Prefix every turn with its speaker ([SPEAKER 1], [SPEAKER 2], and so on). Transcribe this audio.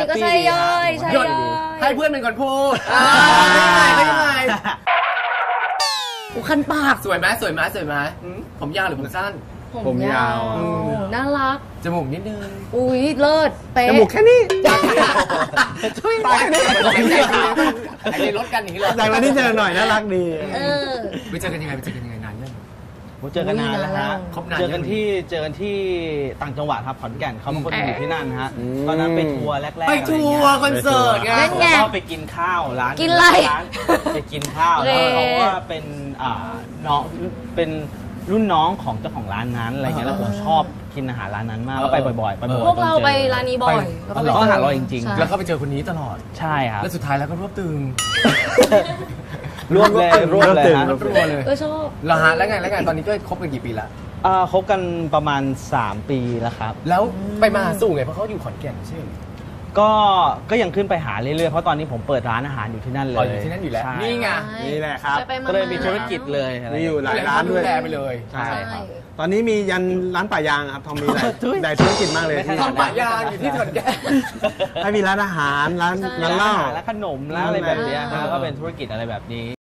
[SPEAKER 1] ก็ใช่ย่อยใช่ย่อย
[SPEAKER 2] ให้เพื่อนเป็นคนพูดไม่ยังไง
[SPEAKER 1] คันปาก
[SPEAKER 2] สวยไหมผมยาวหรือผมสั้น
[SPEAKER 1] ผมยาวน่ารัก
[SPEAKER 2] จมูกนิดนึง
[SPEAKER 1] อุ้ยเลิศเป๊ะ
[SPEAKER 3] จมูกแค่นี้
[SPEAKER 2] ตายนี่ไอ้รถกันอย่างนี้เลย
[SPEAKER 3] แต่วันนี้เจอหน่อยน่ารักดี
[SPEAKER 2] ไปเจอกันยังไงนานยัง
[SPEAKER 4] เจอกันนานแล้วฮะเจอกันที่ต่างจังหวัดครับขอนแก่นเขาเป็นคนอยู่ที่นั่นฮะตอนนั้นไปทัวร์แรกๆ
[SPEAKER 2] ไปทัวร์คอนเสิร์ตไง
[SPEAKER 4] ก็ไปกินข้าวร้าน
[SPEAKER 1] กินอะไร
[SPEAKER 4] ไปกินข้าวแล้วเขาว่าเป็นน้องเป็นรุ่นน้องของเจ้าของร้านนั้นอะไรเงี้ยแล้วผมชอบกินอาหารร้านนั้นมากก็ไปบ่อย
[SPEAKER 1] พวกเราไปร้านนี้บ่อย
[SPEAKER 4] ก็อาหารอร่อยจริง
[SPEAKER 2] ๆแล้วก็ไปเจอคนนี้ตลอด
[SPEAKER 4] ใช่ครับ
[SPEAKER 2] แล้วสุดท้ายแล้วก็รวบตึง
[SPEAKER 4] รวบเลยฮะ
[SPEAKER 2] รวบเลย
[SPEAKER 1] ชอบ
[SPEAKER 2] แล้วฮะแล้วไงตอนนี้ก็คบกันกี่ปีละ
[SPEAKER 4] คบกันประมาณ3 ปีแล้วครับ
[SPEAKER 2] แล้วไปมาสู่ไงเพราะเขาอยู่ขอนแก่นใช่ไหม
[SPEAKER 4] ก็ยังขึ้นไปหาเรื่อยๆเพราะตอนนี้ผมเปิดร้านอาหารอยู่ที่นั่นเลย
[SPEAKER 2] อยู่ที่นั่นอยู่แล้วนี่ไง
[SPEAKER 3] นี่แหละครับ
[SPEAKER 4] ก็เลยมีธุรกิจเลย
[SPEAKER 3] มีอยู่หลายร้านด้วย
[SPEAKER 2] ไปเลย
[SPEAKER 3] ใช่ครับตอนนี้มียันร้านป่ายางครับทอมมีหลายธุรกิจมากเลย
[SPEAKER 2] ทอมป่ายางอยู่ที่ขอนแก่น
[SPEAKER 3] ให้มีร้านอาหารร้านเหล้า
[SPEAKER 4] ร้านขนมร้านอะไรแบบนี้ก็เป็นธุรกิจอะไรแบบนี้